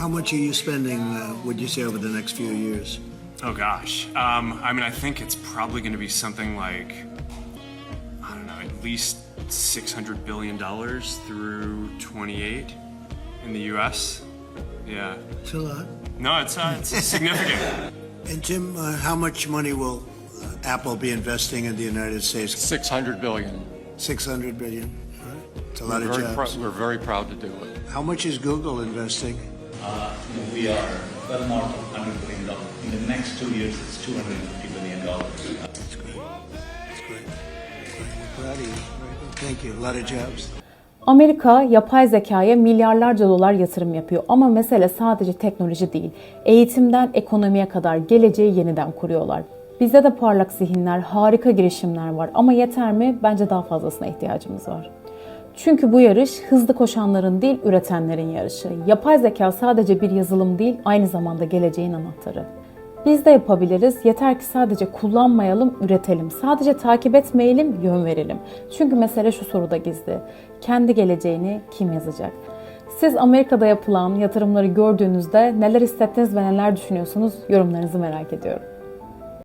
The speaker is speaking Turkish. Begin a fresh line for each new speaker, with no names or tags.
How much are you spending, would you say, over the next few years?
Oh gosh. I mean, I think it's probably going to be something like, I don't know, at least $600 billion through 28 in the U.S. Yeah.
It's a lot.
No, it's significant.
And Tim, how much money will Apple be investing in the United States?
600 billion.
600 billion. All right. It's a lot of jobs.
We're very proud to do it.
How much is Google investing?
We are well north of $100 billion. In the next 2 years, it's $250 billion.
That's great. That's great. We're proud of you. Very good. Thank you. A lot of jobs.
Amerika yapay zekaya milyarlarca dolar yatırım yapıyor ama mesele sadece teknoloji değil. Eğitimden ekonomiye kadar geleceği yeniden kuruyorlar. Bizde de parlak zihinler, harika girişimler var ama yeter mi? Bence daha fazlasına ihtiyacımız var. Çünkü bu yarış hızlı koşanların değil, üretenlerin yarışı. Yapay zeka sadece bir yazılım değil, aynı zamanda geleceğin anahtarı. Biz de yapabiliriz. Yeter ki sadece kullanmayalım, üretelim. Sadece takip etmeyelim, yön verelim. Çünkü mesele şu soruda gizli. Kendi geleceğini kim yazacak? Siz Amerika'da yapılan yatırımları gördüğünüzde neler hissettiniz ve neler düşünüyorsunuz? Yorumlarınızı merak ediyorum.